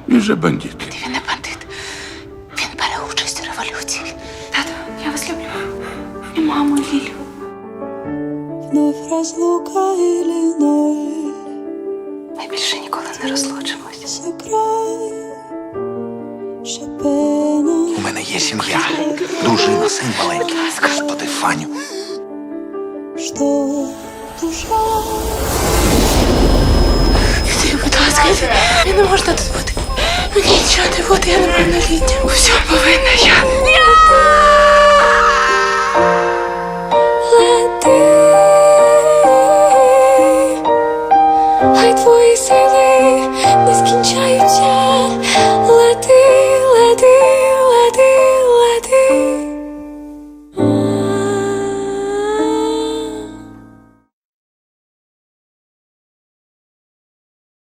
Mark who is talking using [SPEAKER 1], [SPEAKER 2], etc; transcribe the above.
[SPEAKER 1] Він же бандит.
[SPEAKER 2] Він не бандит. Він бере участь у революції. Тато, я вас люблю. І маму, і Лілю.
[SPEAKER 3] Вновь разлука или ноль.
[SPEAKER 2] Ми більше ніколи не розлучимось.
[SPEAKER 3] Сыграй Шопена.
[SPEAKER 1] У мене є сім'я, дружина, син маленький. Господи, Фаню.
[SPEAKER 3] Что душа.
[SPEAKER 2] Ти, будь ласка, я не можна тут бути. Мені нічого не буде, я неповнолітня. У всьому повинна я.